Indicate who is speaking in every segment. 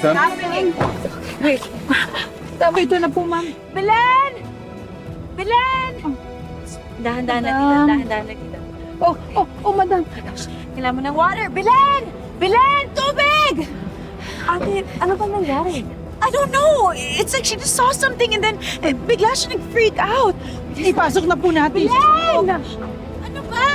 Speaker 1: son?
Speaker 2: Wait. Ito na po, ma'am.
Speaker 3: Belen! Belen! Dahan-dahan lang kita, dahan-dahan lang kita.
Speaker 2: Madam.
Speaker 3: Kailangan mo ng water. Belen! Belen! Tubig! Ate, ano ba nangyari? I don't know. It's like she just saw something and then bigla siya nag-freak out.
Speaker 2: Ipasok na po natin.
Speaker 3: Belen! Ano ba?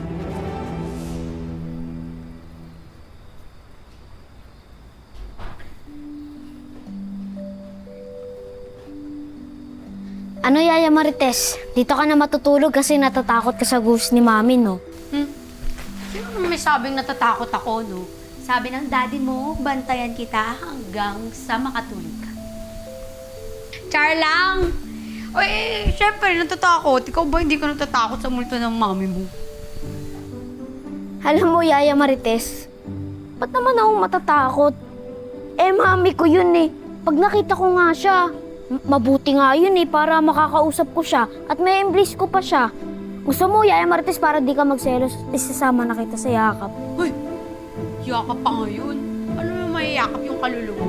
Speaker 4: Ano, Yaya Marites? Dito ka na matutulog kasi natatakot ka sa ghost ni Mami, no?
Speaker 5: Sino naman may sabing natatakot ako, no? Sabi ng daddy mo, bantayan kita hanggang sa makatulog ka. Char lang! O syempre, natatakot. Ikaw ba hindi ka natatakot sa multo ng mami mo?
Speaker 4: Alam mo, Yaya Marites, ba't naman ako matatakot? Mami ko yun eh. Pag nakita ko nga siya, mabuti nga yun eh, para makakausap ko siya at may embrace ko pa siya. Gusto mo, Yaya Marites, para di ka magselos, isasama na kita sa yakap.
Speaker 5: Hoy! Yakap pa ngayon. Ano yung mayayakap yung kaluluwa?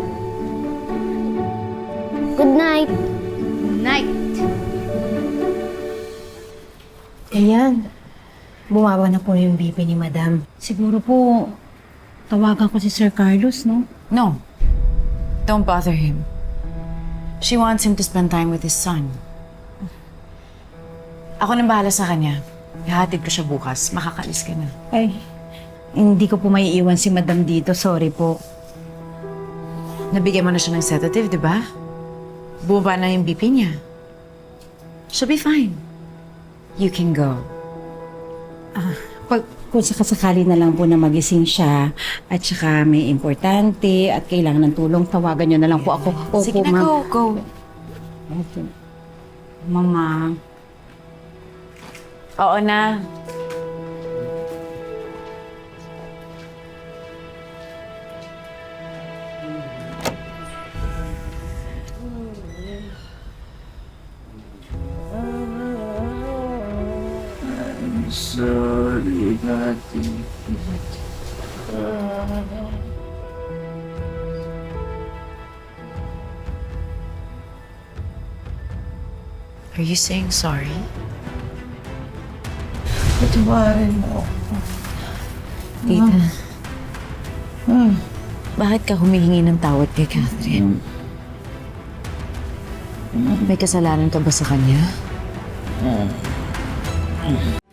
Speaker 4: Good night.
Speaker 5: Night!
Speaker 6: Ayan. Bumaba na po yung BP ni Madam. Siguro po, tawagan ko si Sir Carlos, no?
Speaker 7: No. Don't bother him. She wants him to spend time with his son. Ako nang bahala sa kanya. Ihatid ko siya bukas. Makakalis ka na.
Speaker 6: Ay, hindi ko po maiiwan si Madam dito. Sorry po.
Speaker 7: Nabigyan mo na siya ng sedative, di ba? Bumaba na yung BP niya. She'll be fine. You can go.
Speaker 6: Kung sakasakali na lang po na magising siya at saka may importante at kailangan ng tulong, tawagan niyo na lang po ako. Opo,
Speaker 7: Sige na,
Speaker 6: ma'am.
Speaker 7: go.
Speaker 6: Opo. Mama.
Speaker 7: Oo na.
Speaker 1: Sorry, Daddy.
Speaker 7: Are you saying sorry?
Speaker 1: Patawarin mo ako.
Speaker 7: Tita. Bakit ka humihingi ng tawad kay Catherine? May kasalanan ka ba sa kanya?